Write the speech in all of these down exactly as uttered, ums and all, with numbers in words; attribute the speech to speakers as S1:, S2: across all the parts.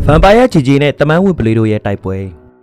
S1: န်ပါယာဂျီဂျီနဲ့တမန်ဝင်ပလီတို့ရဲ့တိုက်ပွဲ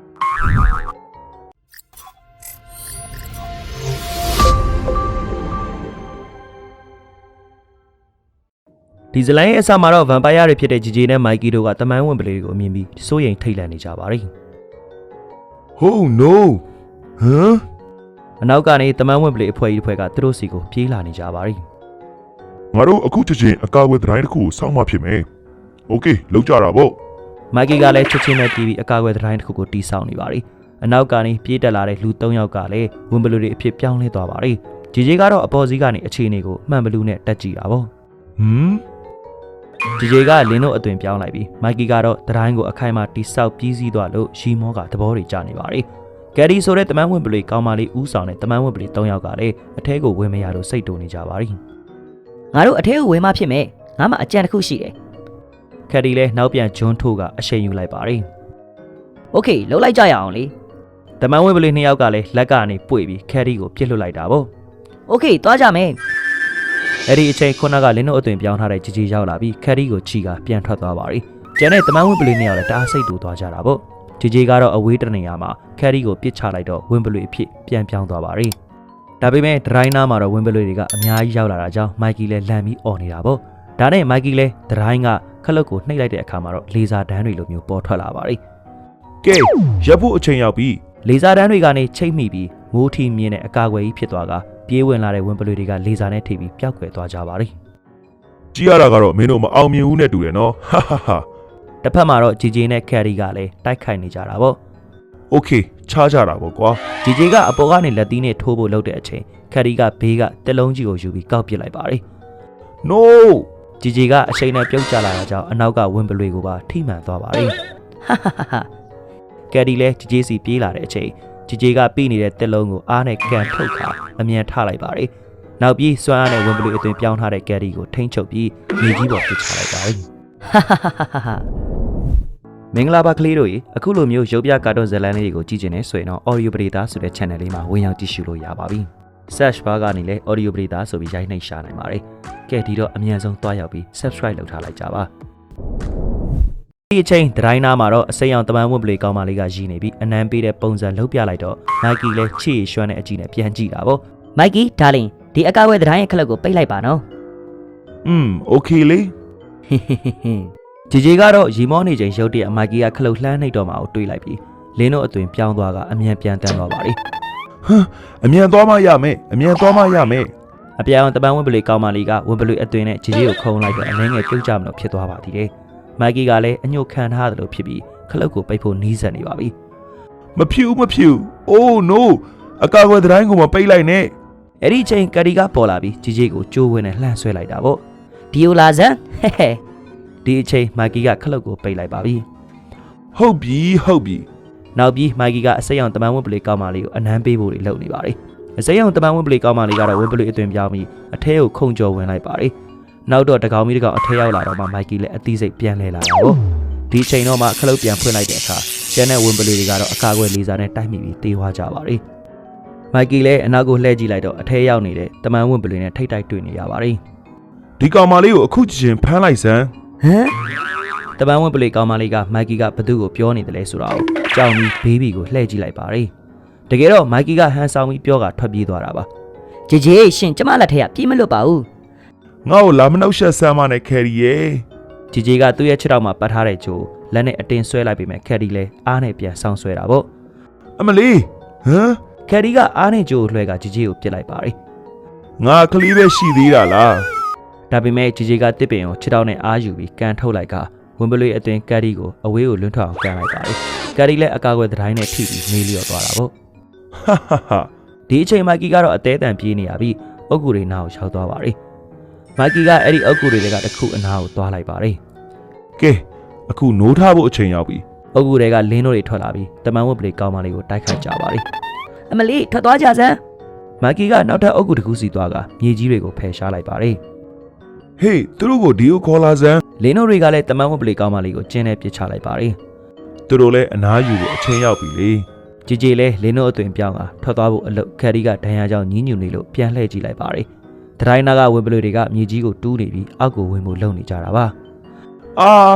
S1: ဒီဇလိုင်းရဲ့အစမှာတော့ဗန်ပါယာတွေဖြစ်တဲ့ဂျီဂျီနဲ့မိုက်ကီတို့ကတမန်ဝင်ပလီတွေကိုအမြင်ပြီးစိုးရိမ်ထိတ်လန့်နေကြပါတယ်။
S2: Oh no ဟမ်
S1: အနောက်ကနေတမန်ဝင်ပလီအဖွဲ့ကြီးအဖွဲ့ကသူတို့စီကိုပြေးလာနေကြပါတယ်
S2: ။ငါတို့အခုချက်ချင်းအကာအကွယ်တိုင်းတစ်ခုကိုစောင့်မှဖြစ်မယ်။ Okay လောက်ကြတာပေါ့
S1: ။မိုက်ကီကလည်းချက်ချင်းနဲ့တီးပြီးအကာအကွယ်တိုင်းတစ်ခုကိုတီးဆောင်နေပါတယ်။အနောက်ကနေပြေးတက်လာတဲ့လူ၃ယောက်ကလည်းဝင်ပလီတွေအဖြစ်ပြောင်းလဲသွားပါတယ်။ဂျီဂျီကတော့အပေါ်စီးကနေအခြေအနေကိုမှန်ဘလူးနဲ့တက်ကြည့်တာပေါ့
S2: ။ဟမ်
S1: ဂျီဂျီကလင်းတို့အသွင်ပြောင်းလိုက်ပြီးမိုက်ကီကတော့တတိုင်းကိုအခိုင်အမာတိဆောက်ပြီးစီးသွားလို့ရှီမောကသဘောတွေကျနေပါတယ်။ကယ်ရီဆိုတဲ့တမန်ဝင်ပလီကောင်းမလေးဦးဆောင်တဲ့တမန်ဝင်ပလီ၃ယောက်ကလည်းအထဲကိုဝင်မရလို့စိတ်တူနေကြပါတယ်
S3: ။ငါတို့အထဲကိုဝင်မှဖြစ်မယ်။ငါမှအကြံတစ်ခုရှိတယ်
S1: ။ကယ်ရီလည်းနောက်ပြန်ဂျွန်းထိုးကအရှိန်ယူလိုက်ပါတယ်
S3: ။ Okay လှုပ်လိုက်ကြရအောင်လေ
S1: ။တမန်ဝင်ပလီ၂ယောက်ကလည်းလက်ကနေပွေပြီးကယ်ရီကိုပြစ်လွတ်လိုက်တာပေါ့
S3: ။ Okay သွားကြမယ်။
S1: အဲ့ဒီအချိန်ခုနကလင်းတို့အသွင်ပြောင်းထားတဲ့ဂျီဂျီရောက်လာပြီးကယ်ရီကိုချီကပြန်ထွက်သွားပါတယ်။ကျန်တဲ့တမန်ဝင်ပလီ၂ယောက်လည်းတအားစိတ်တူသွားကြတာပေါ့။ဂျီဂျီကတော့အဝေးတနေရာမှာကယ်ရီကိုပစ်ချလိုက်တော့ဝင်ပလွေအဖြစ်ပြန်ပြောင်းသွားပါတယ်။ဒါပေမဲ့ဒရိုင်းနာမှာတော့ဝင်ပလွေတွေကအများကြီးရောက်လာတာကြောင့်မိုက်ကီလည်းလန့်ပြီးអော်နေတာပေါ့။ဒါနဲ့မိုက်ကီလည်းဒရိုင်းကခလုတ်ကိုနှိပ်လိုက်တဲ့အခါမှာတော့လေဆာတန်းတွေလိုမျိုးပေါ်ထွက်လာပါတယ်
S2: ။ကဲရပ်ဖို့အချိန်ရောက်ပြီ
S1: ။လေဆာတန်းတွေကနေချိတ်မိပြီးမိုးထီမြင်းနဲ့အကာအကွယ်ကြီးဖြစ်သွားကပြေးဝင်လာတဲ့ဝင်ပလွေတွေကလေဆာနဲ့ထိပြီးပျောက်ကွယ်သွားကြပါတယ်
S2: ။ကြည့်ရတာကတော့မင်းတို့မအောင်မြင်ဘူးနဲ့တူတယ်နော်။ဟာဟာဟာ
S1: တစ်ဖက်မှာတော့ဂျီဂျီနဲ့ကယ်ရီကလည်းတိုက်ခိုက်နေကြတာပေါ့
S2: ။ Okay ချားကြတာပေါ့ကွာ
S1: ။ဂျီဂျီကအပေါ်ကနေလက်သီးနဲ့ထိုးဖို့လုပ်တဲ့အချိန်ကယ်ရီကဘေးကတက်လုံးကြီးကိုယူပြီးကောက်ပစ်လိုက်ပါတယ်
S2: ။ No
S1: ဂျီဂျီကအရှိန်နဲ့ပြုတ်ကျလာတာကြောင့်အနောက်ကဝင်ပလွေကိုပါထိမှန်သွားပါတယ်
S3: ။ဟာဟာဟာ
S1: ကယ်ရီလည်းဂျီဂျီစီပြေးလာတဲ့အချိန်ဂျီဂျီကပြီးနေတဲ့တက်လုံးကိုအားနဲ့ကန်ထုတ်ခါအမြန်ထလိုက်ပါတယ်။နောက်ပြီးစွမ်းအားနဲ့ဝင်ပလွေအသွင်ပြောင်းထားတဲ့ကယ်ရီကိုထိန်းချုပ်ပြီးမြေကြီးပေါ်ပစ်ချလိုက်ပါတယ်
S3: ။ဟာဟာဟာဟာ
S1: မင်္ဂလာပါကလေးတို့ရေအခုလိုမျိုးရုပ်ပြကာတွန်းဇာတ်လမ်းလေးတွေကိုကြည့်ကျင်နေဆိုရင်တော့ Audio Predator ဆိုတဲ့ channel လေးမှာဝင်ရောက်ကြည့်ရှုလို့ရပါပြီ။ Search bar ကနေလည်း Audio Predator ဆိုပြီးရိုက်နှိပ်ရှာနိုင်ပါတယ်။ကဲဒီတော့အမြန်ဆုံးသွားရောက်ပြီး Subscribe လုပ်ထားလိုက်ကြပါ။ဒီအချိန်ဒရိုင်းနာမှာတော့အစိမ်းအောင်တမန်ဝင်ပလေကောင်းမလေးကရည်နေပြီးအနမ်းပေးတဲ့ပုံစံလှုပ်ပြလိုက်တော့မိုက်ကီလည်းချီရွှမ်းတဲ့အကြည့်နဲ့ပြန်ကြည့်တာပေါ့
S3: ။မိုက်ကီဒါလင်ဒီအကားဝဲဒရိုင်းရဲ့ခလုတ်ကိုပိတ်လိုက်ပါနော်
S2: ။อืม Okay လေ
S3: ။ဟင်းဟင်းဟင်း
S1: ဂျီဂျီကတော့ရီမောနေချိန်ရုတ်တရက်မိုက်ကီကခလုတ်လှမ်းနှိပ်တော့မှကိုတွေးလိုက်ပြီးလင်းတို့အသွင်ပြောင်းသွားကအမြန်ပြန်တန်းသွားပါလေ
S2: ဟမ်အမြန်သွားမှရမယ်အမြန်သွားမှရမယ်
S1: အပြောင်တပန်းဝင်ပလေကောင်းမလေးကဝင်ပလေအသွင်နဲ့ဂျီဂျီကိုခုံလိုက်တော့အနှဲငယ်ပြုတ်ကြမလို့ဖြစ်သွားပါသေးတယ်မိုက်ကီကလည်းအညှို့ခံထားတယ်လို့ဖြစ်ပြီးခလုတ်ကိုပိတ်ဖို့နီးစပ်နေပါပြီ
S2: မဖြူမဖြူ Oh no အကာအကွယ်တိုင်းကိုမပိတ်လိုက်နဲ့
S1: အဲ့ဒီချိန်ကတီကပေါ်လာပြီးဂျီဂျီကိုကြိုးဝင်းနဲ့လှမ်းဆွဲလိုက်တာပေါ့
S3: ဒီယိုလာဇန်ဟဲဟဲ
S1: ဒီအချိန်မိုက်ကီကခလုတ်ကိုပိတ်လိုက်ပါပြီ
S2: ဟုတ်ပြီဟုတ်ပြီ
S1: နောက်ပြီးမိုက်ကီကအစိမ်းအောင်တမန်ဝင်ပလေကောင်းမလေးကိုအနမ်းပေးဖို့တွေလုပ်နေပါတယ်အစိမ်းအောင်တမန်ဝင်ပလေကောင်းမလေးကတော့ဝင်ပလေအသွင်ပြောင်းပြီးအထဲကိုခုန်ကျော်ဝင်လိုက်ပါတယ်နောက်တော့တကောင်မီတကောင်အထဲရောက်လာတော့မှမိုက်ကီလည်းအသီးစိတ်ပြန်လဲလာတာပေါ့ဒီအချိန်တော့မှခလုတ်ပြန်ဖွင့်လိုက်တဲ့အခါကျန်တဲ့ဝင်ပလေတွေကတော့အကာအကွယ်လေးစားနဲ့တိုက်မိပြီးတေးသွားကြပါတယ်မိုက်ကီလည်းအနောက်ကိုလှည့်ကြည့်လိုက်တော့အထဲရောက်နေတဲ့တမန်ဝင်ပလေနဲ့ထိတ်တိုက်တွေ့နေရပါတယ်
S2: ဒီကောင်မလေးကိုအခုချင်းဖမ်းလိုက်စမ်း
S3: ဟမ်
S1: တပန်းဝင်ပလေကောင်းမလေးကမိုက်ကီကဘသူ့ကိုပြောနေတယ်လဲဆိုတာကိုကြောင်ပြီးဘေးဘီကိုလှည့်ကြည့်လိုက်ပါတယ်တကယ်တော့မိုက်ကီကဟန်ဆောင်ပြီးပြောကထွက်ပြေးသွားတာပါ
S3: ဂျေဂျေရှင်ကျမလက်ထက်ကပြေးမလွတ်ပါဘူး
S2: ငါ့ကိုလာမနှောက်ရှက်ဆမ်းမနဲ့ကယ်ရီရဲ့
S1: ဂျေဂျေကသူ့ရဲ့ခြေထောက်မှာပတ်ထားတဲ့ဂျိုလက်နဲ့အတင်းဆွဲလိုက်ပြီးမှကယ်ရီလည်းအားနဲ့ပြန်ဆောင်းဆွဲတာပေါ့
S2: အမလီဟမ်
S1: ကယ်ရီကအားနဲ့ဂျိုကိုလွှဲကဂျေဂျေကိုပြစ်လိုက်ပါတယ်
S2: ငါကလေးပဲရှိသေးတာလား
S1: ဒါပေမဲ့ဂျီဂျီကတစ်ပင်ကိုခြေထောက်နဲ့အားယူပြီးကန်ထုတ်လိုက်ကဝင်ပလွေအသွင်ကယ်ရီကိုအဝေးကိုလွန်းထွက်အောင်ကန်လိုက်ပါတယ်ကယ်ရီလည်းအကာအကွယ်တိုင်းနဲ့ထိပြီးမေးလျော့သွားတာပေါ့
S2: ဟာဟာဟာ
S1: ဒီအချိန်မိုက်ကီကတော့အသေးအံပြေးနေရပြီးအုတ်ဂူတွေနားကိုရောက်သွားပါတယ်မိုက်ကီကအဲ့ဒီအုတ်ဂူတွေကတစ်ခုအနားကိုသွားလိုက်ပါတယ်
S2: ကဲအခုနိုးထားဖို့အချိန်ရောက်ပြီ
S1: အုတ်ဂူတွေကလင်းတို့တွေထွက်လာပြီးတမန်ဝတ်ပလေကောင်းမလေးကိုတိုက်ခိုက်ကြပါတယ်
S3: အမလီထွက်သွားကြစမ်း
S1: မိုက်ကီကနောက်ထပ်အုတ်ဂူတစ်ခုစီသွားကမြေကြီးတွေကိုဖယ်ရှားလိုက်ပါတယ်
S2: ဟေးသူတို့ကိုဒီကိုခေါ်လာစမ်း
S1: လင်းတို့တွေကလည်းတမန်ဝတ်ပလေကောင်းမလေးကိုကျင်းနဲ့ပစ်ချလိုက်ပါတယ်
S2: သူတို့လည်းအနားယူဖို့အချိန်ရောက်ပြီလေ
S1: ကြည်ကြည်လဲလင်းတို့အသွင်ပြောင်းကထွက်သွားဖို့အလုပ်ခက်ရီကဒဏ်ရာကြောင့်ညှဉ်းညူနေလို့ပြန်လှည့်ကြည့်လိုက်ပါတယ်ဒရိုင်းနာကဝင်ပလွေတွေကမြေကြီးကိုတူးနေပြီးအောက်ကိုဝင်ဖို့လုံနေကြတာပါ
S2: အာ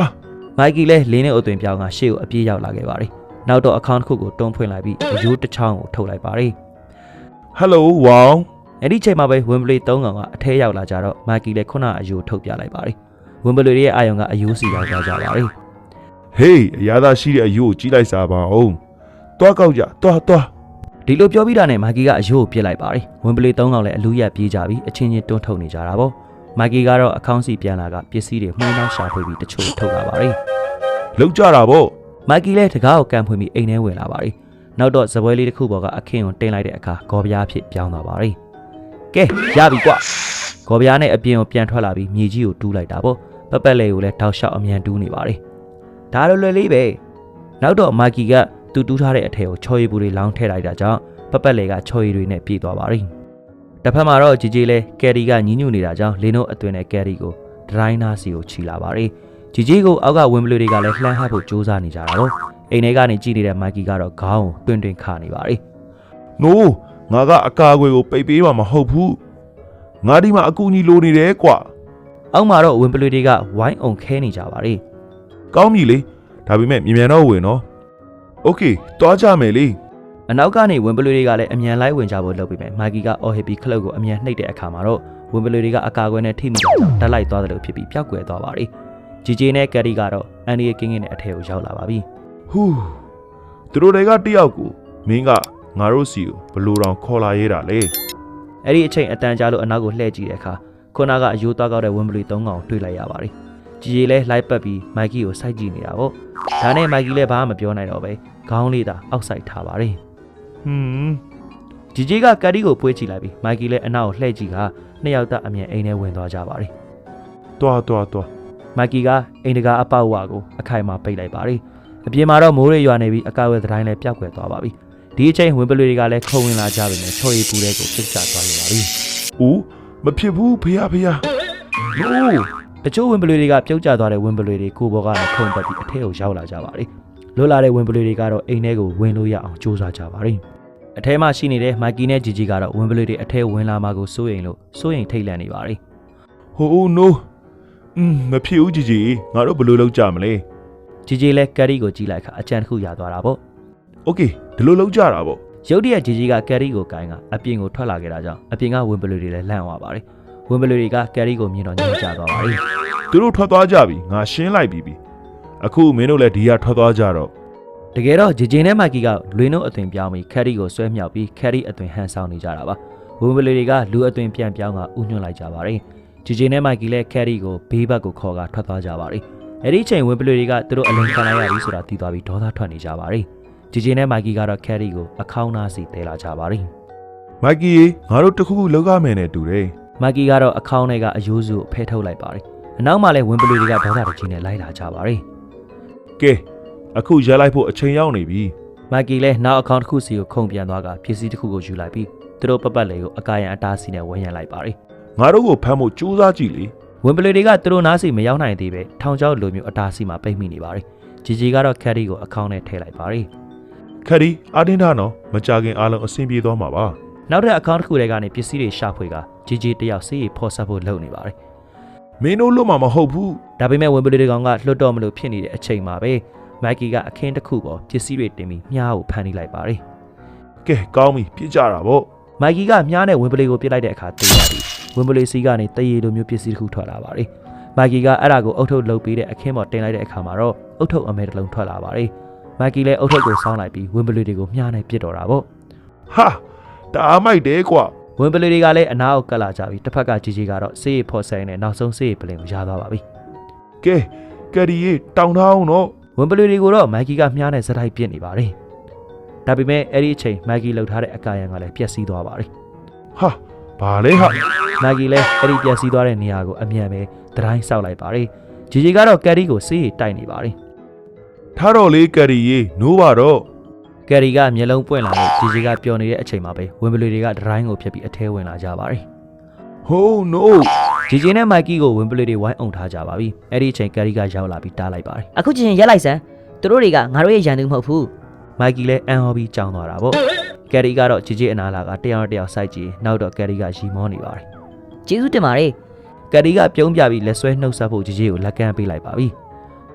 S1: မိုက်ကီလည်းလင်းနဲ့အသွင်ပြောင်းကရှေ့ကိုအပြေးရောက်လာခဲ့ပါတယ်နောက်တော့အခန်းတစ်ခုကိုတွန်းဖွင့်လိုက်ပြီးအယိုးတစ်ချောင်းကိုထုတ်လိုက်ပါတယ်
S2: ဟယ်လိုဝေါင်
S1: အဲ့ဒီချိန်မှာပဲဝင်ဘလီသုံးကောင်ကအထဲရောက်လာကြတော့မိုက်ကီလည်းခုနအယိုးထုတ်ပြလိုက်ပါတယ်ဝင်ဘလီရဲ့အာယုံကအယိုးစီရောက်သွားကြပါတယ်
S2: ဟေးအရာသာရှိတဲ့အယိုးကိုကြီးလိုက်စားပါအောင်တွားကောက်ကြတွားတွား
S1: ဒီလိုပြောပြီးတာနဲ့မိုက်ကီကအယိုးကိုပြစ်လိုက်ပါတယ်ဝင်ဘလီသုံးကောင်လည်းအလူရက်ပြေးကြပြီးအချင်းချင်းတွန်းထုတ်နေကြတာပေါ့မိုက်ကီကတော့အကောင့်စီပြန်လာကပစ္စည်းတွေမှုန်းနှောက်ရှာဖွေပြီးတချို့ထုတ်လာပါတယ်
S2: လောက်ကြတာပေါ့
S1: မိုက်ကီလည်းတကားကိုကန်ဖွင့်ပြီးအိမ်ထဲဝင်လာပါတယ်နောက်တော့ဇပွဲလေးတစ်ခုပေါ်ကအခင်းကိုတင်လိုက်တဲ့အခါဂေါ်ပြားဖြစ်ပြောင်းသွားပါတယ်ကဲရပြီကွာဂေါ်ပြားနဲ့အပြင်ကိုပြန်ထွက်လာပြီးမြေကြီးကိုတူးလိုက်တာပေါ့ပက်ပက်လေးကိုလည်းတောက်လျှောက်အမြန်တူးနေပါတယ်ဒါလိုလွယ်လေးပဲနောက်တော့မိုက်ကီကသူ့တူးထားတဲ့အထည်ကိုချော်ရည်ပူတွေလောင်းထည့်လိုက်တာကြောင့်ပက်ပက်လေးကချော်ရည်တွေနဲ့ပြေးသွားပါတယ်တစ်ဖက်မှာတော့ဂျီဂျီလည်းကယ်ရီကညှဉ်းညူနေတာကြောင့်လင်းတို့အတွင်နဲ့ကယ်ရီကိုဒရိုင်းနာစီကိုခြီလာပါတယ်ဂျီဂျီကိုအောက်ကဝင်ဘလူတွေကလည်းလှမ်းဟပ်ဖို့ကြိုးစားနေကြတာပေါ့အိမ်ထဲကနေကြည့်နေတဲ့မိုက်ကီကတော့ခေါင်းကိုတွင်တွင်ခါနေပါတယ်
S2: နိုးငါကအကာအကွယ်ကိုပိတ်ပေးမှာမဟုတ်ဘူးငါဒီမှာအကူအညီလိုနေတယ်ကွာ
S1: အောက်မှာတော့ဝင်ဘလူတွေကဝိုင်းအောင်ခဲနေကြပါတယ်
S2: ကောင်းပြီလေဒါပေမဲ့မြန်မြန်တော့ဝင်နော်โอเคတွားကြမယ်လေ
S1: အနောက်ကနေဝင်ဘလူတွေကလည်းအမြန်လိုက်ဝင်ကြဖို့လုပ်ပြီးမယ်မိုက်ကီကအော်ဟစ်ပြီးခလုတ်ကိုအမြန်နှိပ်တဲ့အခါမှာတော့ဝင်ဘလူတွေကအကာအကွယ်နဲ့ထိမိတာကြောင့်တက်လိုက်သွားတယ်လို့ဖြစ်ပြီးပျောက်ကွယ်သွားပါတယ်ဂျီဂျီနဲ့ကယ်ရီကတော့အန်ဒီရဲ့ကင်းကင်းနဲ့အထက်ကိုရောက်လာပါပြီ
S2: ဟူးသူတို့တွေကတယောက်ကိုမင်းကငါတို့စီကိုဘလို့တောင်ခေါ်လာရဲတာလေ
S1: အဲ့ဒီအချိန်အတန်ကြာလို့အနောက်ကိုလှည့်ကြည့်တဲ့အခါခုနကအယိုးသွားကောက်တဲ့ဝင်ဘလူသုံးကောင်တွေ့လိုက်ရပါတယ်ဂျီဂျီလည်းလိုက်ပတ်ပြီးမိုက်ကီကိုစိုက်ကြည့်နေတာပေါ့ဒါနဲ့မိုက်ကီလည်းဘာမှမပြောနိုင်တော့ပဲခေါင်းလေးသာအောက်ဆိုင်ထားပါတယ်
S2: ဟွန်း
S1: ဂျီဂျီကကယ်ရီကိုပွေးချလိုက်ပြီးမိုက်ကီလည်းအနောက်ကိုလှည့်ကြည့်ကနှစ်ယောက်သားအမြန်အိမ်ထဲဝင်သွားကြပါတယ်
S2: တွားတွားတွား
S1: မိုက်ကီကအိမ်တကာအပေါက်ဝါကိုအခိုင်အမာပိတ်လိုက်ပါတယ်အပြင်မှာတော့မိုးရေရွာနေပြီးအကာအကွယ်တိုင်းလည်းပျောက်ကွယ်သွားပါပြီဒီအချိန်ဝင်ပလွေတွေကလည်းခုံဝင်လာကြပြီနဲ့ချော်ရည်ပူတဲ့ကိုပြစ်ချသွားနေပါပြီ
S2: ဦးမဖြစ်ဘူးဖေးဖေးနိုး
S1: တချို့ဝင်ပလွေတွေကပြုတ်ကျသွားတဲ့ဝင်ပလွေတွေကိုဘောကနေခုံတက်ပြီးအထက်ကိုရောက်လာကြပါတယ်လွတ်လာတဲ့ဝင်ပလွေတွေကတော့အိမ်ထဲကိုဝင်လို့ရအောင်ကြိုးစားကြပါတယ်အထဲမှာရှိနေတဲ့မိုက်ကီနဲ့ဂျီဂျီကတော့ဝင်ပလွေတွေအထဲဝင်လာမှကိုစိုးရိမ်လို့စိုးရိမ်ထိတ်လန့်နေပါတယ်
S2: ဟိုဦးနိုးอืมမဖြစ်ဘူးကြီးကြီးငါတို့ဘယ်လိုလုပ်ကြမလဲ
S1: ဂျီဂျီလည်းကယ်ရီကိုကြည့်လိုက်ခါအကြံတစ်ခုရသွားတာပေါ့
S2: โอเคဒီလိုလုပ်ကြတာပေါ့
S1: ရုတ်တရက်ဂျီဂျီကကယ်ရီကိုကိုင်းကအပြင်ကိုထွက်လာခဲ့တာကြောင့်အပြင်ကဝင်ပလွေတွေလည်းလန့်သွားပါတယ်ဝင်ပလွေတွေကကယ်ရီကိုမြင်တော့ညှိကြသွားပါတယ်
S2: သူတို့ထွက်သွားကြပြီငါရှင်းလိုက်ပြီပြီအခုမင်းတို့လည်းဒီကထွက်သွားကြတော့
S1: တကယ်တော့ဂျီဂျီနဲ့မိုက်ကီကလွင်တို့အသွင်ပြောင်းပြီးကယ်ရီကိုဆွဲမြောက်ပြီးကယ်ရီအသွင်ဟန်ဆောင်နေကြတာပါဝင်ပလွေတွေကလူအသွင်ပြန်ပြောင်းကဥညွှတ်လိုက်ကြပါတယ်ဂျီဂျီနဲ့မိုက်ကီလည်းကယ်ရီကိုဘေးဘက်ကိုခေါ်ကထွက်သွားကြပါတယ်အဲ့ဒီချိန်ဝင်ပလွေတွေကသူတို့အလင်းခံလိုက်ရပြီဆိုတာသိသွားပြီးဒေါသထွက်နေကြပါတယ်ဂျီဂျီနဲ့မိုက်ကီကတော့ကယ်ရီကိုအခေါင်းသားစီတဲလာကြပါတယ်
S2: မိုက်ကီငါတို့တခုခုလောက်ရမယ်နဲ့တူတယ်
S1: မိုက်ကီကတော့အခေါင်းထဲကအယိုးစုကိုဖဲထုတ်လိုက်ပါတယ်အနောက်မှာလည်းဝင်ပလွေတွေကဒေါသတကြီးနဲ့လိုက်လာကြပါတယ်
S2: ကဲအခုရလိုက်ဖို့အချိန်ရောက်နေပြီ
S1: မိုက်ကီလည်းနောက်အခေါင်းတစ်ခုစီကိုခုန်ပြန်သွားကပစ္စည်းတစ်ခုကိုယူလိုက်ပြီးသူတို့ပတ်ပတ်လေးကိုအကာရန်အတားစီနဲ့ဝန်းရံလိုက်ပါတယ်
S2: ငါတို့ကိုဖမ်းဖို့ကြိုးစားကြည့်လေ
S1: ဝင်ပလွေတွေကသူတို့နားစီမရောက်နိုင်သေးပဲထောင်ချောက်လိုမျိုးအတားစီမှာပိတ်မိနေပါတယ်ဂျီဂျီကတော့ကယ်ရီကိုအခေါင်းနဲ့ထည့်လိုက်ပါတယ်
S2: ခက်ဒီအာတင်းထားနော်မကြခင်အားလုံးအဆင်ပြေသွားမှာပါ
S1: နောက်တဲ့အကောင့်တစ်ခုထဲကနေပစ္စည်းတွေရှာဖွေကဂျီဂျီတယောက်စီးရီဖော်ဆက်ဖို့လုပ်နေပါတယ်
S2: မင်းတို့လွတ်မှာမဟုတ်ဘူး
S1: ဒါပေမဲ့ဝင်ပလွေတွေကောင်ကလွတ်တော့မလို့ဖြစ်နေတဲ့အချိန်မှာပဲမိုက်ကီကအခင်းတစ်ခုပေါ်ပစ္စည်းတွေတင်ပြီးမြားကိုဖမ်းနေလိုက်ပါတယ်
S2: ကဲကောင်းပြီပြစ်ကြတာပေါ့
S1: မိုက်ကီကမြားနဲ့ဝင်ပလွေကိုပြစ်လိုက်တဲ့အခါတေးရပြီးဝင်ပလွေစီကနေတရေလိုမျိုးပစ္စည်းတစ်ခုထွက်လာပါတယ်မိုက်ကီကအဲ့ဒါကိုအုတ်ထုတ်လုပ်ပြီးတဲ့အခင်းပေါ်တင်လိုက်တဲ့အခါမှာတော့အုတ်ထုတ်အမဲတစ်လုံးထွက်လာပါတယ်မိုက်ကီလည်းအုတ်ထုတ်ကိုစောင်းလိုက်ပြီးဝင်ပလွေတွေကိုမြားနဲ့ပြစ်တော့တာပေါ့
S2: ဟာတအားမိုက်တယ်ကွာ
S1: ဝင်ပလွေတွေကလည်းအနားကိုကပ်လာကြပြီးတစ်ဖက်ကဂျီဂျီကတော့စေးရီဖော်ဆိုင်နဲ့နောက်ဆုံးစေးရီပလင်ကိုရသွားပါပြီ
S2: ကဲကယ်ရီရေတောင်းထားအောင်နော်
S1: ဝင်ပလွေတွေကိုတော့မိုက်ကီကမြားနဲ့စတိုက်ပြစ်နေပါတယ်ဒါပေမဲ့အဲ့ဒီအချိန်မိုက်ကီလှုပ်ထားတဲ့အကာရန်ကလည်းပျက်စီးသွားပါတယ်
S2: ဟာဘာလဲဟာ
S1: မိုက်ကီလည်းအဲ့ဒီပျက်စီးသွားတဲ့နေရာကိုအမြန်ပဲဒတိုင်းဆောက်လိုက်ပါတယ်ဂျီဂျီကတော့ကယ်ရီကိုစေးရီတိုက်နေပါတယ်
S2: ထားတော့လေကယ်ရီရေနိုးပါတော့
S1: ကယ်ရီကမျက်လုံးပွင့်လာလို့ဂျီဂျီကပျော်နေတဲ့အချိန်မှာပဲဝင်ပလွေတွေကဒတိုင်းကိုဖျက်ပြီးအထဲဝင်လာကြပါတယ်
S2: ဟိုးနိုး
S1: ဂျီဂျီနဲ့မိုက်ကီကိုဝင်ပလွေတွေဝိုင်းအောင်ထားကြပါပြီအဲ့ဒီအချိန်ကယ်ရီကရောက်လာပြီးတားလိုက်ပါတယ်
S3: အခုချင်းရက်လိုက်စမ်းသူတို့တွေကငါတို့ရဲ့ရန်သူမဟုတ်ဘူး
S1: မိုက်ကီလည်းအန်ဟော်ပြီးကြောင်းသွားတာပေါ့ကယ်ရီကတော့ဂျီဂျီအနာလာကတယောက်တယောက်စိုက်ကြည့်နောက်တော့ကယ်ရီကရီမောနေပါတယ်
S3: ကျေးဇူးတင်ပါတယ်
S1: ကယ်ရီကပြုံးပြပြီးလက်ဆွဲနှုတ်ဆက်ဖို့ဂျီဂျီကိုလက်ကမ်းပေးလိုက်ပါပြီ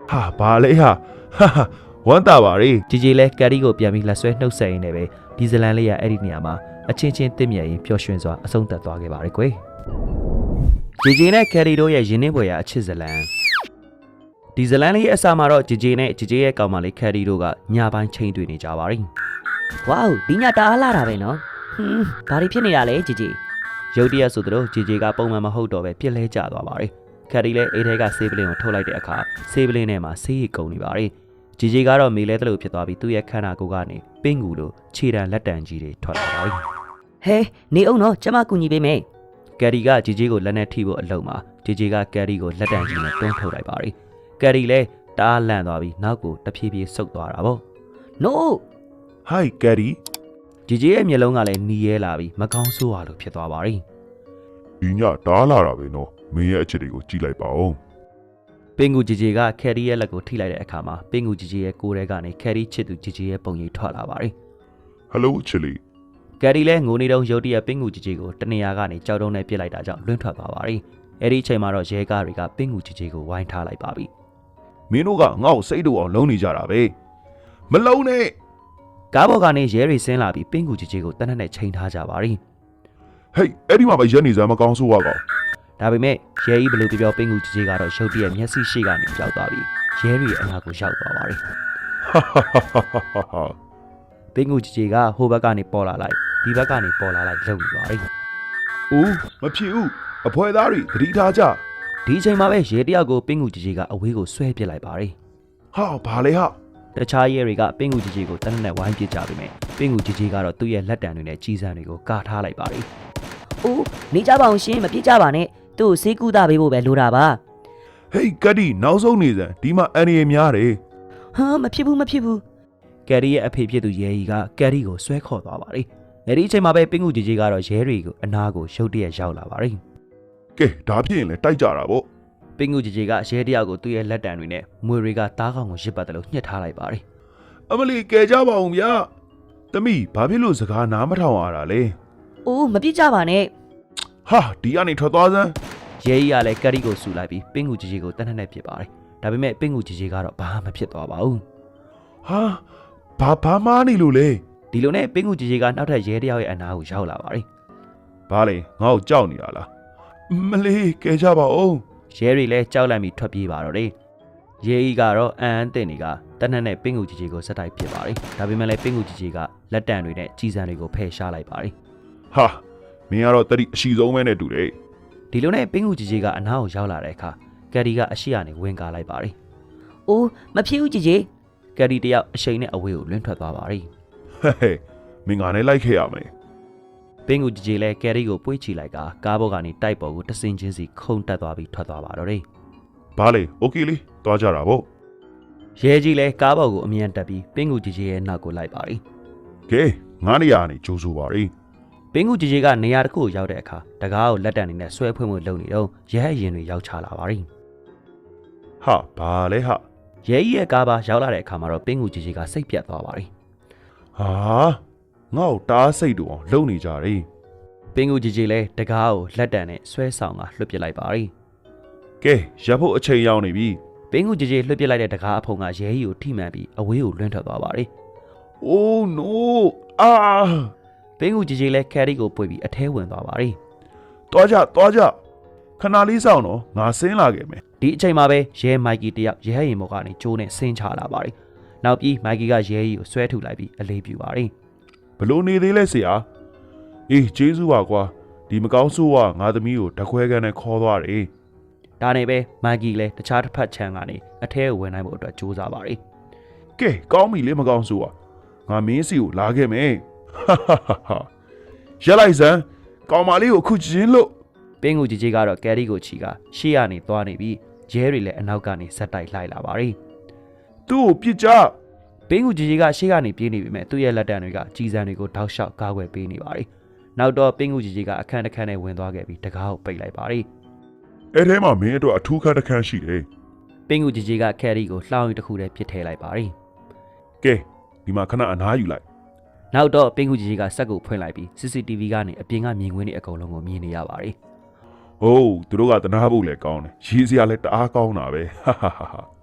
S2: ဟာဘာလဲဟာဟာဟာဝမ်းတာပါလေ
S1: ဂျီဂျီလည်းကယ်ရီကိုပြန်ပြီးလက်ဆွဲနှုတ်ဆက်ရင်းနဲ့ပဲဒီဇလန်လေးရအဲ့ဒီနေရာမှာအချင်းချင်းတင့်မြတ်ရင်ပျော်ရွှင်စွာအဆုံးသတ်သွားခဲ့ပါတယ်ကွယ်ဂျီဂျီနဲ့ကယ်ရီတို့ရဲ့ရင်းနှီးပွဲရာအချစ်ဇလန်ဒီဇလန်လေးရဲ့အစမှာတော့ဂျီဂျီနဲ့ဂျီဂျီရဲ့ကောင်မလေးကယ်ရီတို့ကညပိုင်းချိန်တွေ့နေကြပါပြီ
S3: ဝေါဒီညတအားလာတာပဲနော်ဟွန်းဘာတွေဖြစ်နေတာလဲជីជី
S1: ရုတ်တရက်ဆိုသလိုဂျီဂျီကပုံမှန်မဟုတ်တော့ပဲပြစ်လဲကျသွားပါတယ်ကယ်ရီလည်းအိတ်ထဲကဆေးပလင်းကိုထုတ်လိုက်တဲ့အခါဆေးပလင်းထဲမှာဆေးရည်ကုန်နေပါတယ်ဂျီဂျီကတော့မေလဲတလို့ဖြစ်သွားပြီးသူ့ရဲ့ခန္ဓာကိုယ်ကနေပင့်ကူလိုခြေတံလက်တံကြီးတွေထွက်လာပါပြီ
S3: ဟဲနေအောင်နော်ကျမကူညီပေးမယ်
S1: ကယ်ရီကဂျီဂျီကိုလက်နဲ့ထိဖို့အလုံးမှာဂျီဂျီကကယ်ရီကိုလက်တံကြီးနဲ့တွန်းထုတ်လိုက်ပါတယ်ကယ်ရီလည်းတအားလန့်သွားပြီးနောက်ကိုတဖြည်းဖြည်းဆုတ်သွားတာပေါ့
S3: no
S2: ဟိုက်ကယ်ရီ
S1: ဂျီဂျီရဲ့မျက်လုံးကလည်းနီးရဲလာပြီးမကောင်းဆိုးရလို့ဖြစ်သွားပါပြီ
S2: ဒီညတားလာတာပဲနော်မင်းရဲ့အချစ်တွေကိုကြည့်လိုက်ပါဦး
S1: ပင်ကူဂျီဂျီကကယ်ရီရဲ့လက်ကိုထိလိုက်တဲ့အခါမှာပင်ကူဂျီဂျီရဲ့ကိုယ်ထဲကနေကယ်ရီချစ်သူဂျီဂျီရဲ့ပုံရိပ်ထွက်လာပါတယ်
S2: ဟယ်လိုချစ်လီ
S1: ကယ်ရီလည်းငိုနေတုန်းရုတ်တရက်ပင်ကူဂျီဂျီကိုတနေရာကနေကြောက်တုံးနဲ့ပြစ်လိုက်တာကြောင့်လွင့်ထွက်သွားပါတယ်အဲ့ဒီအချိန်မှာတော့ရဲကားတွေကပင်ကူဂျီဂျီကိုဝိုင်းထားလိုက်ပါပြီ
S2: မင်းတို့ကငါ့ကိုစိတ်တူအောင်လုံးနေကြတာပဲမလုံးနဲ့
S1: ကားပေါ်ကနေရဲတွေဆင်းလာပြီးပင်ကူဂျီဂျီကိုတနက်နဲ့ချိန်ထားကြပါတယ်
S2: ဟေးအဲ့ဒီမှာပဲရက်နေစမ်းမကောင်းဆိုးရကောင်
S1: ဒါပေမဲ့ရဲကြီးဘလို့ပြောပင်ကူဂျီဂျီကတော့ရုတ်တရက်မျက်စိရှိကနေကြောက်သွားပြီးရဲတွေအနာကိုရောက်သွားပါတယ်
S2: ဟာဟာဟာဟာ
S1: ပင်ကူဂျီဂျီကဟိုဘက်ကနေပေါ်လာလိုက်ဒီဘက်ကနေပေါ်လာလိုက်လုံနေပါတယ်
S2: ဦးမဖြစ်ဦးအဖွဲသားတွေသတိထားကြ
S1: ဒီအချိန်မှာပဲရဲတယောက်ကိုပင်ကူဂျီဂျီကအဝေးကိုဆွဲပစ်လိုက်ပါတယ်
S2: ဟာဘာလဲဟာ
S1: တခြားရဲတွေကပင်ကူဂျီဂျီကိုတနက်နဲ့ဝိုင်းပစ်ကြပြီမဲ့ပင်ကူဂျီဂျီကတော့သူ့ရဲ့လက်တံတွေနဲ့ကြီးစံတွေကိုကာထားလိုက်ပါတယ်
S3: အိုးနေကြပါအောင်ရှင်မပြစ်ကြပါနဲ့သူ့ကိုဆေးကူတာပေးဖို့ပဲလိုတာပါ
S2: ဟေးကတ်ဒီနောက်ဆုံးနေစမ်းဒီမှာအန်ရီများတယ်
S3: ဟာမဖြစ်ဘူးမဖြစ်ဘူး
S1: ကယ်ရီရဲ့အဖေဖြစ်သူရဲကြီးကကယ်ရီကိုဆွဲခေါ်သွားပါတယ်အဲဒီအချိန်မှာပဲပင်ကူဂျီဂျီကတော့ရဲတွေကိုအနာကိုရုတ်တရက်ရောက်လာပါတယ်
S2: ကဲဒါဖြစ်ရင်လည်းတိုက်ကြတာပေါ့
S1: ပင်ကူဂျီဂျီကရဲတယောက်ကိုသူ့ရဲ့လက်တံတွေနဲ့မွေတွေကတားကောင်ကိုရစ်ပတ်တယ်လို့ညှစ်ထားလိုက်ပါတယ်
S2: အမလီကဲကြပါဦးဗျာသမီးဘာဖြစ်လို့စကားနားမထောင်ရတာလဲ
S3: အိုးမပြစ်ကြပါနဲ့
S2: ဟာဒီကနေထွက်သွားစမ်း
S1: ရဲကြီးကလည်းကယ်ရီကိုဆူလိုက်ပြီးပင်ကူဂျီဂျီကိုတနက်နဲ့ပစ်ပါတယ်ဒါပေမဲ့ပင်ကူဂျီဂျီကတော့ဘာမှမဖြစ်သွားပါဘူး
S2: ဟာဘာဘာမားနေလို့လဲ
S1: ဒီလိုနဲ့ပင်ကူဂျီဂျီကနောက်ထပ်ရဲတယောက်ရဲ့အနာကိုရောက်လာပါတယ်
S2: ဘာလဲငါ့ကိုကြောက်နေတာလားမလေးကဲကြပါဦး
S1: ရဲတွေလည်းကြောက်လန့်ပြီးထွက်ပြေးပါတော့တယ်ရဲကြီးကတော့အန်အန်တင်တွေကတနက်နဲ့ပင်ကူဂျီဂျီကိုစက်တိုက်ပစ်ပါတယ်ဒါပေမဲ့လည်းပင်ကူဂျီဂျီကလက်တံတွေနဲ့ကြီးစံတွေကိုဖယ်ရှားလိုက်ပါတယ်
S2: ဟာမင်းကတော့တတိအရှိဆုံးပဲနဲ့တူတယ်
S1: ဒီလိုနဲ့ပင်ကူဂျီဂျီကအနာကိုရောက်လာတဲ့အခါကယ်ရီကအရှိကနေဝင်ကားလိုက်ပါတယ်
S3: အိုးမဖြစ်ဘူးជីជី
S1: ကယ်ရီတယောက်အရှိန်နဲ့အဝေးကိုလွင့်ထွက်သွားပါတယ်
S2: ဟဲ့ဟဲ့မင်းကလည်းလိုက်ခဲ့ရမယ်
S1: ပင်ကူဂျီဂျီလည်းကယ်ရီကိုပွေ့ချီလိုက်ကကားဘောကနေတိုက်ပေါ်ကိုတဆင်ချင်းစီခုန်တက်သွားပြီးထွက်သွားပါတော့တယ်
S2: ဘာလဲโอเคလေးသွားကြတာပေါ့
S1: ရဲကြီးလည်းကားပေါ်ကိုအမြန်တက်ပြီးပင်ကူဂျီဂျီရဲ့နောက်ကိုလိုက်ပါတယ်
S2: ကဲငါးနေရာနေကြိုးဆိုပါရီ
S1: ပင်ကူဂျီဂျီကနေရာတစ်ခုကိုရောက်တဲ့အခါတကားကိုလက်တံနေနဲ့ဆွဲဖွင့်ဖွင့်လုပ်နေတော့ရဲအရင်တွေရောက်ချလာပါတယ်
S2: ဟာဘာလဲဟာ
S1: ရဲကြီးရဲ့ကားပါရောက်လာတဲ့အခါမှာတော့ပင်ကူဂျီဂျီကစိတ်ပြတ်သွားပါတယ်
S2: ဟာငါ့ကိုတားစိတ်တူအောင်လုံနေကြတယ်
S1: ပင်ကူဂျီဂျီလည်းတကားကိုလက်တံနဲ့ဆွဲဆောင်ကလွှတ်ပစ်လိုက်ပါတယ်
S2: ကဲရပ်ဖို့အချိန်ရောက်နေပြီ
S1: ပင်ကူဂျီဂျီလွှတ်ပစ်လိုက်တဲ့တကားအဖုံကရဲကြီးကိုထိမှန်ပြီးအဝေးကိုလွင့်ထွက်သွားပါတယ်
S2: အိုးနိုးအာ
S1: ပင်ကူဂျီဂျီလည်းကယ်ရီကိုပွေပြီးအထဲဝင်သွားပါတယ်
S2: သွားကြသွားကြခဏလေးစောင့်တော့ငါဆင်းလာခဲ့မယ်
S1: ဒီအချိန်မှာပဲရဲမိုက်ကီတယောက်ရဲရင်ဘော်ကနေကျိုးနဲ့ဆင်းချလာပါတယ်နောက်ပြီးမိုက်ကီကရဲကြီးကိုဆွဲထုတ်လိုက်ပြီးအလေးပြူပါတယ်
S2: ဘလို့နေသေးလဲဆရာအေးကျေးဇူးပါကွာဒီမကောင်းဆိုးကငါသမီးကိုတခွဲကန်နဲ့ခေါ်သွားတယ်
S1: ဒါနဲ့ပဲမိုက်ကီလည်းတခြားတစ်ဖက်ခြမ်းကနေအထဲကိုဝင်နိုင်ဖို့အတွက်ကြိုးစားပါတယ်
S2: ကဲကောင်းပြီလေမကောင်းဆိုးကငါမင်းစီကိုလာခဲ့မယ်ဟာဟာဟာရက်လိုက်စမ်းကောင်းမလေးကိုအခုချင်းလို့
S1: ပင်ကူဂျီဂျီကတော့ကယ်ရီကိုချီကရှေ့ကနေသွားနေပြီးရဲတွေလည်းအနောက်ကနေဇက်တိုက်လိုက်လာပါတယ်
S2: သူ့ကိုပြစ်ကြ
S1: ပင်ကူဂျီဂျီကရှေ့ကနေပြေးနေပြီမဲ့သူ့ရဲ့လက်တံတွေကကြီးစံတွေကိုထောက်လျှောက်ကာကွယ်ပေးနေပါတယ်နောက်တော့ပင်ကူဂျီဂျီကအခန်းတစ်ခန်းနဲ့ဝင်သွားခဲ့ပြီးတကားကိုပိတ်လိုက်ပါတယ်
S2: အဲ့ထဲမှာမင်းအတွက်အထူးခန်းတစ်ခန်းရှိတယ်
S1: ပင်ကူဂျီဂျီကကယ်ရီကိုလှောင်ရီတစ်ခုတည်းပစ်ထည့်လိုက်ပါတယ်
S2: ကဲဒီမှာခဏအနားယူလိုက်
S1: နောက်တော့ပင်ကူဂျီဂျီကစက်ကိုဖွင့်လိုက်ပြီး စီ စီ တီ ဗီ ကနေအပြင်ကမြင်ကွင်းတွေအကုန်လုံးကိုမြင်နေရပါတယ်
S2: ဟုတ်သူတို့ကတနာဖို့လည်းကောင်းတယ်ရေးစရာလည်းတအားကောင်းတာပဲဟာဟာဟာ
S1: က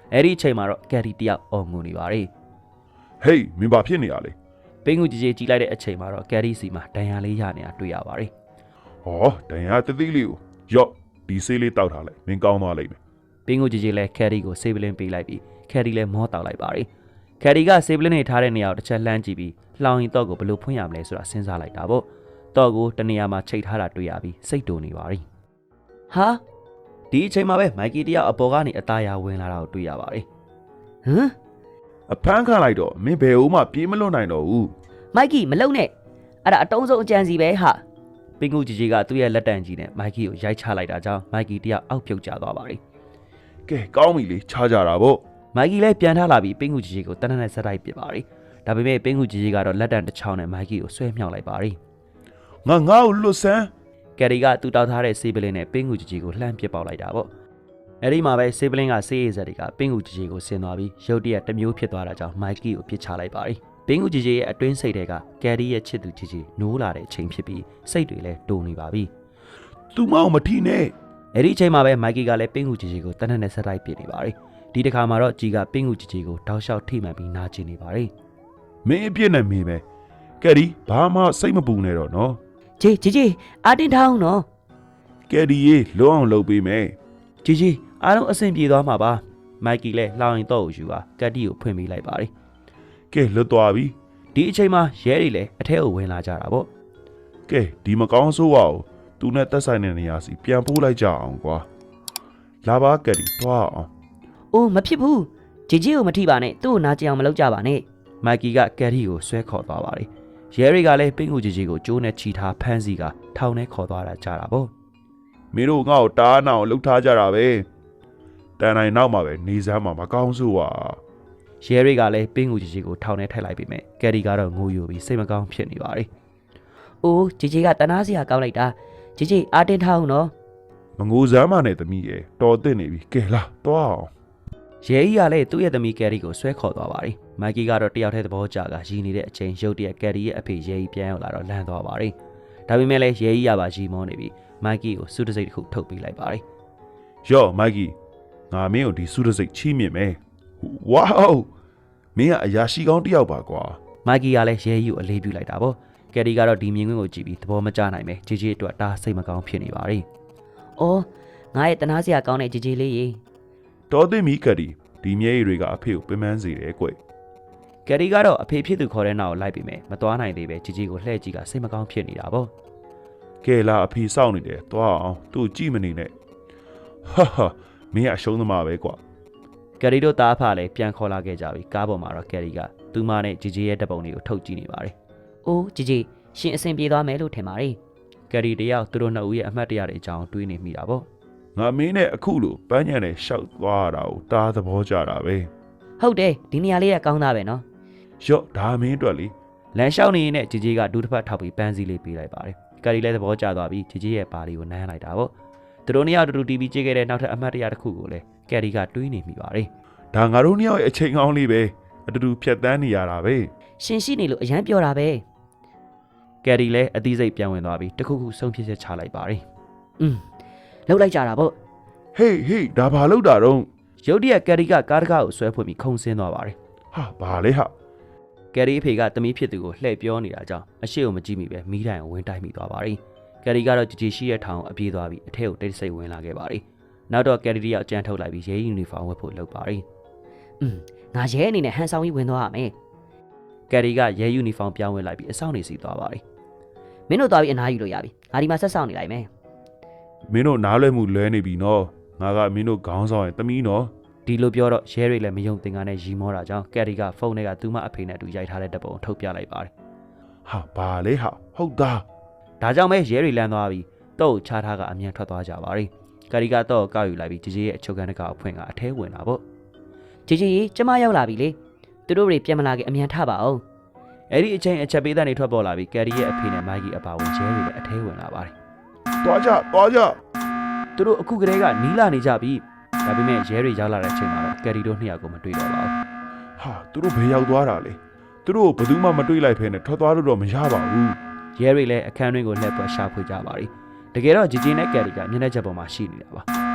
S1: အဲ့ဒီအချိန်မှာတော့ကယ်ရီတယောက်အော်ငိုနေပါတယ်
S2: ဟေးမင်းဘာဖြစ်နေရလဲ
S1: ပင်ကူကြီးကြီးကြီးလိုက်တဲ့အချိန်မှာတော့ကယ်ရီစီမှာဒဏ်ရာလေးရနေတာတွေ့ရပါတယ်
S2: ဟောဒဏ်ရာတသိလေးကိုရော့ဒီဆေးလေးတောက်ထားလိုက်မင်းကောင်းသွားလိမ့်မယ်
S1: ပင်ကူကြီးကြီးလည်းကယ်ရီကိုဆေးပလင်းပေးလိုက်ပြီးကယ်ရီလည်းမောတောက်လိုက်ပါတယ်ကယ်ရီကဆေးပလင်းနေထားတဲ့နေရာကိုတစ်ချက်လှမ်းကြည့်ပြီးလှောင်ရင်တော့ကိုဘယ်လိုဖွင့်ရမလဲဆိုတာစဉ်းစားလိုက်တာပေါ့တော့ကိုတနေရာမှာချိတ်ထားတာတွေ့ရပြီးစိတ်တူနေပါပြီ
S3: ဟာ
S1: ဒီအချိန်မှာပဲမိုက်ကီတယောက်အပေါ်ကနေအသားရဝင်လာတာကိုတွေ့ရပါတယ်
S3: ဟမ်
S2: အဖမ်းခံလိုက်တော့မင်းဘယ်ဦးမှပြေးမလွတ်နိုင်တော့ဘူး
S3: မိုက်ကီမလုံနဲ့အဲ့ဒါအတုံးဆုံးအကြံစီပဲဟာ
S1: ပင်ကူကြီးကြီးကသူ့ရဲ့လက်တံကြီးနဲ့မိုက်ကီကိုရိုက်ချလိုက်တာကြောင့်မိုက်ကီတယောက်အောက်ပြုတ်ကျသွားပါတယ်
S2: ကဲကောင်းပြီလေခြားကြတာပေါ့
S1: မိုက်ကီလည်းပြန်ထလာပြီးပင်ကူကြီးကြီးကိုတနက်နဲ့ဆက်တိုက်ပစ်ပါတယ်ဒါပေမဲ့ပင်ကူကြီးကြီးကတော့လက်တံတစ်ချောင်းနဲ့မိုက်ကီကိုဆွဲမြောက်လိုက်ပါတယ်
S2: ငါငါ့ကိုလွတ်ဆန်း
S1: ကယ်ရီကသူ့တောက်ထားတဲ့ဆေးပလင်းနဲ့ပင်ကူကြီးကြီးကိုလှမ်းပစ်ပေါက်လိုက်တာပေါ့အဲဒီမှာပဲဆေးပလင်းကဆေးရည်စက်တွေကပင်ကူကြီးကြီးကိုဆင်သွားပြီးရုတ်တရက်တစ်မျိုးဖြစ်သွားတာကြောင့်မိုက်ကီကိုပစ်ချလိုက်ပါတယ်ပင်ကူကြီးကြီးရဲ့အတွင်းစိတ်တွေကကယ်ရီရဲ့ချစ်သူကြီးကြီးနိုးလာတဲ့အချိန်ဖြစ်ပြီးစိတ်တွေလည်းတိုးနေပါပြီ
S2: သူမအောင်မထီနဲ့
S1: အဲ့ဒီအချိန်မှာပဲမိုက်ကီကလည်းပင်ကူကြီးကြီးကိုတနက်နဲ့ဆက်တိုက်ပစ်နေပါတယ်ဒီတစ်ခါမှာတော့ကြီးကပင်ကူကြီးကြီးကိုတောက်လျှောက်ထိမှန်ပြီးနာကျင်နေပါတယ်
S2: မင်းအပြစ်နဲ့မင်းပဲကဲဒီဘာမှစိတ်မပူနဲ့တော့နော်
S3: ဂျေဂျေဂျေအာတင်ထောင်းနော်
S2: ကဲဒီရေလုံးအောင်လုပ်ပေးမယ်
S1: ကြီးကြီးအားလုံးအဆင်ပြေသွားမှာပါမိုက်ကီလည်းလှောင်ရင်တော့ယူပါကတ်တီကိုဖွင့်ပေးလိုက်ပါတယ်
S2: ကဲလွတ်သွားပြီ
S1: ဒီအချိန်မှာရဲတွေလည်းအထက်ကိုဝင်လာကြတာပေါ့
S2: ကဲဒီမကောင်းဆိုးပါဘူးသူနဲ့တက်ဆိုင်တဲ့နေရာစီပြန်ပို့လိုက်ကြအောင်ကွာလာပါကဲဒီတွားအောင်
S3: အိုးမဖြစ်ဘူးဂျေဂျေကိုမထိပါနဲ့သူ့ကိုနာကျင်အောင်မလုပ်ကြပါနဲ့
S1: မိုက်ကီကကယ်ရီကိုဆွဲခေါ်သွားပါတယ်ရဲတွေကလည်းပင်ကူကြီးကြီးကိုကျိုးနဲ့ချီထားဖမ်းစီကထောင်ထဲခေါ်သွားတာကြတာပေါ့
S2: မင်းတို့ငါ့ကိုတားနာအောင်လှုပ်ထားကြတာပဲတန်တိုင်းနောက်မှာပဲနေစမ်းမှာမကောင်းဆိုးပါ
S1: ရဲတွေကလည်းပင်ကူကြီးကြီးကိုထောင်ထဲထည့်လိုက်ပြီမဲ့ကယ်ရီကတော့ငိုယိုပြီးစိတ်မကောင်းဖြစ်နေပါတယ်
S3: အိုးဂျေဂျေကတနာစရာကောင်းလိုက်တာဂျေဂျေအာတင်ထောင်းနော်
S2: မငိုစမ်းမနဲ့သမီးရဲ့တော်သင့်နေပြီကဲလာတွားအောင်
S1: ရဲကြီးကလည်းသူ့ရဲ့သမီးကယ်ရီကိုဆွဲခေါ်သွားပါတယ်မိုက်ကီကတော့တယောက်တည်းသဘောကျကရည်နေတဲ့အချိန်ရုတ်တရက်ကယ်ရီရဲ့အဖေရဲကြီးပြန်ရောက်လာတော့လန့်သွားပါတယ်ဒါပေမဲ့လည်းရဲကြီးကပါရီမောနေပြီးမိုက်ကီကိုစုတစိတ်တစ်ခုထုတ်ပေးလိုက်ပါတယ်
S2: ယော့မိုက်ကီငါမင်းကိုဒီစုတစိတ်ချီးမြှင့်မယ်ဝေါမင်းကအရာရှိကောင်းတစ်ယောက်ပါကွာ
S1: မိုက်ကီကလည်းရဲကြီးကိုအလေးပြုလိုက်တာပေါ့ကယ်ရီကတော့ဒီမြင်ကွင်းကိုကြည့်ပြီးသဘောမကျနိုင်ပဲဂျေဂျေအတွက်ဒါစိတ်မကောင်းဖြစ်နေပါတယ်
S3: အော်ငါရဲ့တနာစရာကောင်းတဲ့ဂျေဂျေလေးရေ
S2: တော်သင့်ပြီကဒီဒီမျက်ရည်တွေကအဖေကိုပင်ပန်းစေတယ်ကွ
S1: ကယ်ရီကတော့အဖေဖြစ်သူခေါ်တဲ့နောက်ကိုလိုက်ပြီးမယ်မသွားနိုင်သေးပဲဂျီဂျီကိုလှည့်ကြည့်ကစိတ်မကောင်းဖြစ်နေတာပေါ့
S2: ကဲလာအဖေစောင့်နေတယ်တွားအောင်သူ့ကြည့်မနေနဲ့ဟာဟာမင်းကအရှုံးသမားပဲကွာ
S1: ကယ်ရီတို့သားအဖလည်းပြန်ခေါ်လာခဲ့ကြပြီကားပေါ်မှာတော့ကယ်ရီကသူမနဲ့ဂျီဂျီရဲ့တပ်ပုံတွေကိုထုတ်ကြည့်နေပါတယ်
S3: အိုးဂျေဂျေရှင်အဆင်ပြေသွားမယ်လို့ထင်ပါတယ်
S1: ကယ်ရီတယောက်သူတို့နှစ်ဦးရဲ့အမှတ်တရတွေအကြောင်းတွေးနေမိတာပေါ့
S2: ငါမင်းနဲ့အခုလိုပန်းညံနဲ့ရှောက်သွားတာကိုတားသဘောကျတာပဲ
S3: ဟုတ်တယ်ဒီနေရာလေးကကောင်းသားပဲနော်
S2: ရော့ဒါမင်းအတွက်လေ
S1: လမ်းလျှောက်နေရင်နဲ့ဂျီဂျီကဒူးတစ်ဖက်ထောက်ပြီးပန်းစည်းလေးပေးလိုက်ပါတယ်ကယ်ရီလည်းသဘောကျသွားပြီးဂျီဂျီရဲ့ပါလီကိုနမ်းလိုက်တာပေါ့သူတို့နှစ်ယောက်တူတူတီဗီကြည့်ခဲ့တဲ့နောက်ထပ်အမှတ်တရတစ်ခုကိုလည်းကယ်ရီကတွေးနေမိပါတယ်
S2: ဒါငါတို့နှစ်ယောက်ရဲ့အချိန်ကောင်းလေးပဲအတူတူဖြတ်တန်းနေရတာပဲ
S3: ရှင်ရှိနေလို့အရန်ပြောတာပဲ
S1: ကယ်ရီလည်းအသီးစိတ်ပြန်ဝင်သွားပြီးတခုခုဆုံးဖြတ်ချက်ချလိုက်ပါတယ်
S3: อืมလောက်လိုက်ကြတာပေါ့
S2: ဟေးဟေးဒါဘာလို့တာတော့
S1: ရုတ်တရက်ကယ်ရီကကားတကားကိုဆွဲဖွင့်ပြီးခုန်ဆင်းသွားပါတယ်
S2: ဟာဘာလဲဟာ
S1: ကယ်ရီအဖေကတမီးဖြစ်သူကိုလှည့်ပြောနေတာကြောင့်အရှိကိုမကြည့်မိပဲမီးတိုင်ကိုဝင်တိုက်မိသွားပါတယ်ကယ်ရီကတော့ကြည်ကြည်ရှိတဲ့ထောင်ကိုအပြေးသွားပြီးအထက်ကိုတိတ်ဆိတ်ဝင်လာခဲ့ပါတယ်နောက်တော့ကယ်ရီတယောက်ကြမ်းထုတ်လိုက်ပြီးရဲယူနီဖောင်းဝတ်ဖို့လုပ်ပါတယ်
S3: อืมငါရဲအနေနဲ့ဟန်ဆောင်ကြီးဝင်သွားရမယ်
S1: ကယ်ရီကရဲယူနီဖောင်းပြောင်းဝင်လိုက်ပြီးအဆောင်နေစီသွားပါတယ်
S3: မင်းတို့သွားပြီးအနားယူလို့ရပြီငါဒီမှာဆက်ဆောင်နေလိုက်မယ်
S2: မင်းတို့နားလွဲမှုလွဲနေပြီနော်ငါကမင်းတို့ခေါင်းဆောင်ရဲ့တမီးနော်
S1: ဒီလိုပြောတော့ရဲတွေလည်းမယုံသင်္ကာနဲ့ရီမောတာကြောင့်ကယ်ရီကဖုန်းထဲကသူ့မအဖေနဲ့အတူရိုက်ထားတဲ့တပ်ပုံကိုထုတ်ပြလိုက်ပါတယ်
S2: ဟာဘာလဲဟာဟုတ်သား
S1: ဒါကြောင့်ပဲရဲတွေလမ်းသွားပြီးတော့ချားထားကအမြန်ထွက်သွားကြပါတယ်ကယ်ရီကတော့ကောက်ယူလိုက်ပြီးဂျီဂျီရဲ့အချုပ်ခန်းတကအဖွင့်ကအထဲဝင်လာပေါ့
S3: ဂျေဂျေရေကျမရောက်လာပြီလေသူတို့တွေပြန်မလာခင်အမြန်ထပါအောင်
S1: အဲ့ဒီအချိန်အချက်ပေးတဲ့နေထွက်ပေါ်လာပြီးကယ်ရီရဲ့အဖေနဲ့မိုက်ကီအပါဝင်ရဲတွေလည်းအထဲဝင်လာပါတယ်
S2: တွားကြတွားကြ
S1: သူတို့အခုကတည်းကနီးလာနေကြပြီဒါပေမဲ့ရဲတွေရောက်လာတဲ့အချိန်မှာတော့ကယ်ရီတို့နှစ်ယောက်ကိုမတွေ့တော့ပါဘူး
S2: ဟာသူတို့ဘယ်ရောက်သွားတာလဲသူတို့ဘယ်သူမှမတွေ့လိုက်ဖဲနဲ့ထွက်သွားလို့တော့မရပါဘူး
S1: ရဲတွေလည်းအခန်းတွင်းကိုလှည့်ပွက်ရှာဖွေကြပါပြီတကယ်တော့ဂျီဂျီနဲ့ကယ်ရီကမျက်နှာချက်ပေါ်မှာရှိနေတာပါ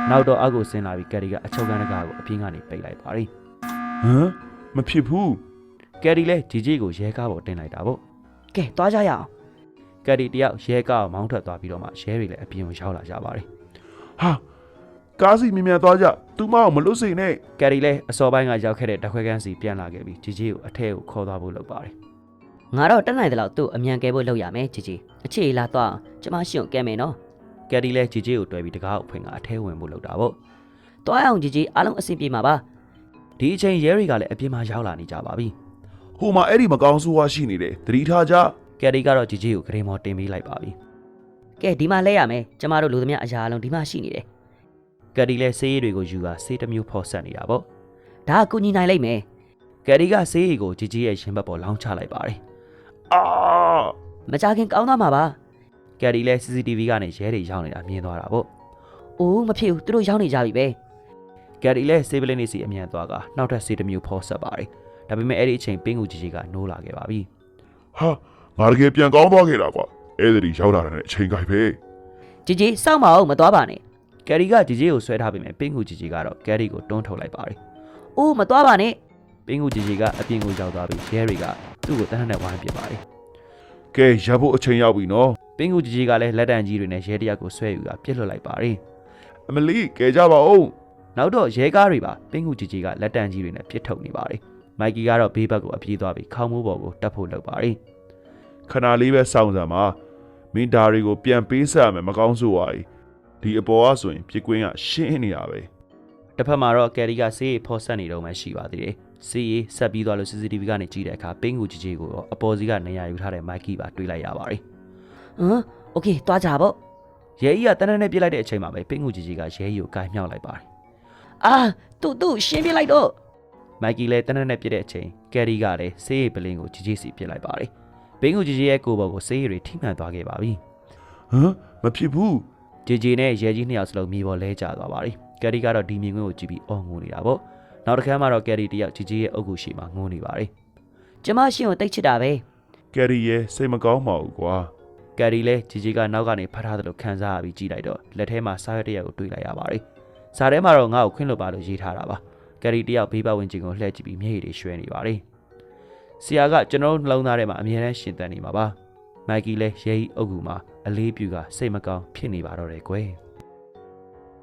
S1: နောက်တော့အောက်ကိုဆင်းလာပြီးကယ်ရီကအချုပ်ခန်းတကားကိုအပြင်းကနေပိတ်လိုက်ပါတယ်
S2: ဟမ်မဖြစ်ဘူး
S1: ကယ်ရီလည်းဂျီဂျီကိုရဲကားပေါ်တင်လိုက်တာပေါ့
S3: ကဲသွားကြရအောင်
S1: ကယ်ရီတယောက်ရဲကားကိုမောင်းထွက်သွားပြီးတော့မှရဲတွေလည်းအပြင်ကိုရောက်လာကြပါတယ်
S2: ဟာကားစီမြင်မြန်သွားကြသူမအောင်မလွတ်စေနဲ့
S1: ကယ်ရီလည်းအစောပိုင်းကရောက်ခဲ့တဲ့တခွဲကန်းစီပြန်လာခဲ့ပြီးဂျီဂျီကိုအထက်ကိုခေါ်သွားဖို့လုပ်ပါတယ်
S3: ငါတော့တက်နိုင်တယ်လို့သူ့အမြန်ကဲဖို့လုပ်ရမယ်ជីជីအခြေလာသွားအောင်ကျမရှင့်ကိုကဲမယ်နော်
S1: ကယ်ရီလည်းဂျီဂျီကိုတွဲပြီးတကားကိုဖွင့်ကအထဲဝင်ဖို့လုပ်တာပေါ့
S3: သွားအောင်ជីជីအားလုံးအဆင်ပြေမှာပါ
S1: ဒီအချိန်ရဲတွေကလည်းအပြင်မှာရောက်လာနေကြပါပြီ
S2: ဟိုမှာအဲ့ဒီမကောင်းဆိုးဝါးရှိနေတယ်သတိထားကြ
S1: ကယ်ရီကတော့ဂျီဂျီကိုဂရေမော်တင်ပေးလိုက်ပါပြီ
S3: ကဲဒီမှာလဲရမယ်ကျမတို့လူသမျှအရာအလုံးဒီမှာရှိနေတယ်
S1: ကယ်ရီလည်းဆေးရည်တွေကိုယူကာဆေးတစ်မျိုးဖော်ဆက်နေတာပေါ့
S3: ဒါကကူညီနိုင်လိမ့်မယ်
S1: ကယ်ရီကဆေးရည်ကိုဂျီဂျီရဲ့ရင်ဘတ်ပေါ်လောင်းချလိုက်ပါတယ်
S2: အာ
S3: မကြခင်ကောင်းသွားမှာပါ
S1: ကယ်ရီလည်း စီ စီ တီ ဗီ ကနေရဲတွေရောက်နေတာမြင်သွားတာပေါ့
S3: အိုးမဖြစ်ဘူးသူတို့ရောက်နေကြပြီပဲ
S1: ကယ်ရီလည်းဆေးပလင်းနေစီအမြန်သွားကနောက်ထပ်ဆေးတစ်မျိုးဖော်ဆက်ပါတယ်ဒါပေမဲ့အဲ့ဒီအချိန်ပင်းကူဂျီဂျီကနိုးလာခဲ့ပါပြီ
S2: ဟာငါတကယ်ပြန်ကောင်းသွားခဲ့တာကွာအဲ့ဒီရောက်လာတဲ့အချိန်ကြိုက်ပဲ
S3: ជីជីစောင့်မအောင်မသွားပါနဲ့
S1: ကယ်ရီကဂျီဂျီကိုဆွဲထားပေမဲ့ပင်းကူဂျီဂျီကတော့ကယ်ရီကိုတွန်းထုတ်လိုက်ပါတယ်
S3: အိုးမသွားပါနဲ့
S1: ပင်းကူဂျီဂျီကအပြင်ကိုရောက်သွားပြီးရဲတွေကသူ့ကိုတန်းနဲ့ဝိုင်းပစ်ပါတယ်
S2: ကဲရပ်ဖို့အချိန်ရောက်ပြီနော်
S1: ပင်းကူဂျီဂျီကလည်းလက်တံကြီးတွေနဲ့ရဲတရက်ကိုဆွဲယူတာပြစ်လွတ်လိုက်ပါတယ်
S2: အမလီကဲကြပါဦး
S1: နောက်တော့ရဲကားတွေပါပင်းကူဂျီဂျီကလက်တံကြီးတွေနဲ့ပြစ်ထုတ်နေပါတယ်မိုက်ကီကတော့ဘေးဘက်ကိုအပြေးသွားပြီးခေါင်းမိုးပေါ်ကိုတက်ဖို့လုပ်ပါတယ်
S2: ခဏလေးပဲစောင့်စမ်းပါမင်းဒါတွေကိုပြန်ပေးဆက်ရမယ်မကောင်းဆိုးဝါးကြီးဒီအပေါ်ကဆိုရင်ပြစ်ကွင်းကရှင်းနေတာပဲ
S1: တစ်ဖက်မှာတော့ကယ်ရီကဆေးရီဖော်ဆက်နေတော့မှရှိပါသေးတယ်ဆေးရီဆက်ပြီးသွားလို့ စီ စီ တီ ဗီ ကနေကြည့်တဲ့အခါပင်းကူဂျီဂျီကိုတော့အပေါ်စီကနေရာယူထားတဲ့မိုက်ကီပါတွေ့လိုက်ရပါတယ်
S3: ဟမ်โอเคသွားကြပေါ့
S1: ရဲကြီးကတန်းတန်းနဲ့ပြစ်လိုက်တဲ့အချိန်မှာပဲပင်းကူဂျီဂျီကရဲကြီးကိုကိုင်မြောက်လိုက်ပါတယ်
S3: အာသူ့သူ့ရှင်းပြလိုက်တော့
S1: မိုက်ကီလည်းတန်းတန်းနဲ့ပြစ်တဲ့အချိန်ကယ်ရီကလည်းဆေးရီပလင်းကိုဂျီဂျီစီပြစ်လိုက်ပါတယ်ပင်းကူဂျီဂျီရဲ့ကိုယ်ပေါ်ကိုဆေးရီတွေထိမှန်သွားခဲ့ပါပြီ
S2: ဟမ်မဖြစ်ဘူး
S1: ဂျီဂျီနဲ့ရဲကြီးနှစ်ယောက်စလုံးမြေပေါ်လဲကျသွားပါတယ်ကယ်ရီကတော့ဒီမြင်ကွင်းကိုကြည့်ပြီးအော်ငိုနေတာပေါ့နောက်တစ်ခါမှတော့ကယ်ရီတယောက်ဂျီဂျီရဲ့အုပ်ကူရှိမှငိုနေပါတယ်
S3: ကျမရှင့်ကိုတိတ်ချစ်တာပဲ
S2: ကယ်ရီရဲ့စိတ်မကောင်းပါဘူးကွာ
S1: ကယ်ရီလည်းဂျီဂျီကနောက်ကနေဖတ်ထားသလိုခံစားရပြီးကြည့်လိုက်တော့လက်ထဲမှာစားရတဲ့ရက်ကိုတွေ့လိုက်ရပါတယ်စားထဲမှာတော့ငါ့ကိုခွင့်လွှတ်ပါလို့ရေးထားတာပါကယ်ရီတယောက်ဘေးပတ်ဝန်းကျင်ကိုလှည့်ကြည့်ပြီးမျက်ရည်တွေရွှဲနေပါတယ်ဆရာကကျွန်တော်နှလုံးသားထဲမှာအမြဲတမ်းရှင်သန်နေမှာပါမိုက်ကီလည်းရဲကြီးအုပ်ကူမှာအလေးပြူကစိတ်မကောင်းဖြစ်နေပါတော့တယ်ကွယ်